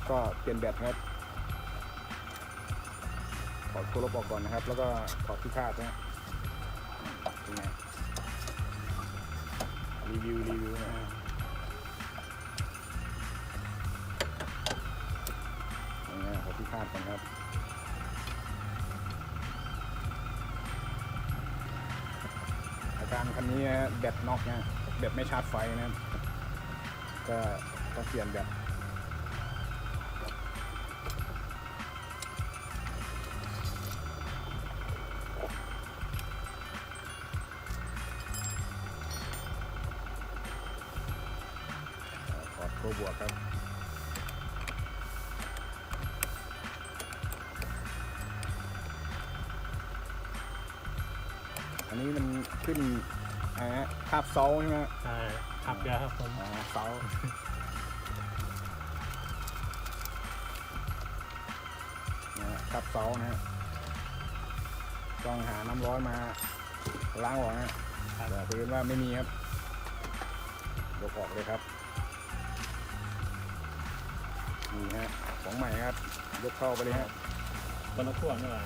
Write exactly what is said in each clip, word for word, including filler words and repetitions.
ก็เปลี่ยนแบตครับถอดโคลบออกก่อนนะครับแล้วก็ถอดที่คาดนะเป็นไงรีวิวรีวิวนะนี่นะถอดที่คาดก่อนครับอาการคันนี้แบตน็อกนะแบตไม่ชาร์จไฟนะครับก็ต้องเปลี่ยนแบตถอดโคบวกครับอันนี้มันขึ้นอ่าคาบเซาใช่ไหมใช่ขับเยอะครับผมอ๋อเซานะคาบเซานะฮะต้องหาน้ำร้อนมาล้างออกนะแต่เพื่อนว่าไม่มีครับยกออกเลยครับนี่ฮะของใหม่ครับยกเข้าไปเลยครับบนรถพ่วงนี่หว่า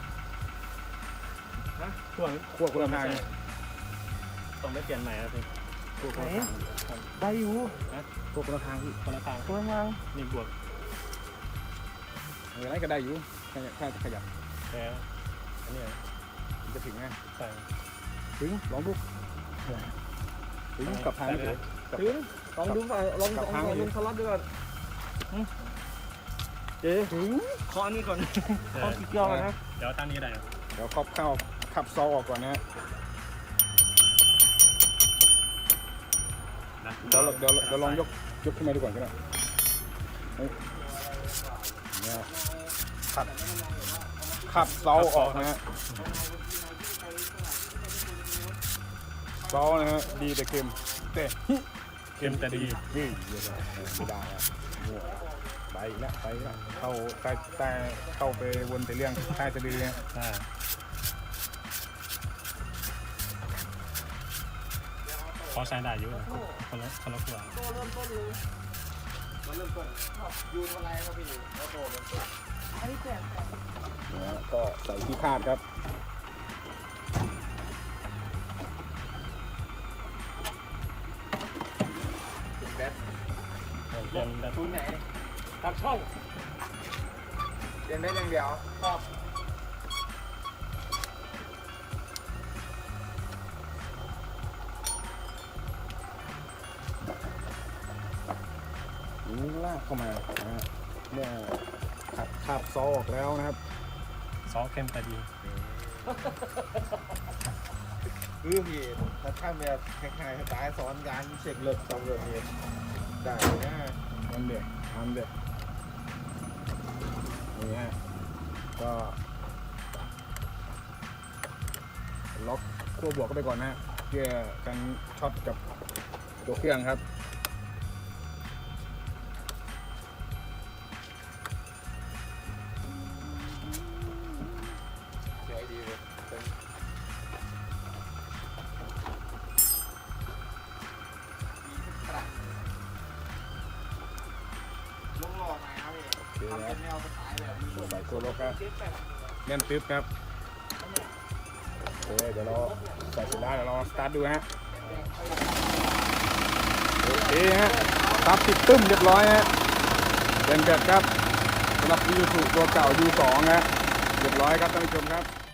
ฮะพ่วงควบคุมทางต้องไม่เปลี่ยนใหม่ครับพี่ควบคุมทางได้อยู่นะควบคุมทางที่คนละทางคนละทางนี่บวกอะไรก็ได้อยู่ถ้าจะขยับแต่อันนี้มันจะถึงไงใส่ถึงลองดูถึงกับทางเลยถึงลองดูฝ่ายลองลองลองสลัดด้วยก่อนเจ๊ถึงข้อนี้ก่อนข้อที่เกี่ยวกันนะเดี๋ยวตั้งนี้ได้เดี๋ยวครอบเข้าขับซอออกก่อนนะเดี๋ยวเดี๋ยวเดี๋ยวลองยกยกขึ้นมาดูก่อนก็ได้เนี่ยขับขับเซาออกนะฮะเซานะฮะดีแต่เค็มแต่เค็มแต่ดีนี่ไม่ได้แล้วไปแล้วไปแล้วเข้าใต้ใต้เข้าไปวนแต่เรื่องใต้จะดื้อเนี่ยใช่พอใช้ได้อยู่คนละคนละขวดเริ่มต้นเลยมาเริ่มต้นยูนอะไรครับพี่แล้วโตเริ่มต้นอันนี้แปลกนะก็ใส่ที่คาดครับแบตเปลี่ยนแบบตรงไหนตัดช่องเปลี่ยนได้อย่างเดียวครับนี่ลากเข้ามานะฮะเนี่ยขับขับซอออกแล้วนะครับซอสเค็มแต่ดีคือพี่ถ้าข้ามแบบคล้ายๆสไตล์ซ้อนการเช็คเลิกสองเลิกเองได้นะมันเด็กมันเด็กนี่ฮะก็ล็อกขั้วบวกเข้าไปก่อนนะฮะเพื่อกันช็อตกับตัวเครื่องครับสวยดีเลยลงหล่อไหมครับพี่ทำเป็นแนวสไตล์แบบนี้ใส่ตัวล็อกครับแน่นตึ๊บครับโอเคเดี๋ยวเราใส่เสร็จแล้วเดี๋ยวเราสตาร์ทดูฮะโอเคฮะตับติดตึ้มเรียบร้อยฮะเป็นแบบครับสำหรับ ยู ทู ตัวเก่า ยู สอง ฮะเรียบร้อยครับท่านผู้ชมครับ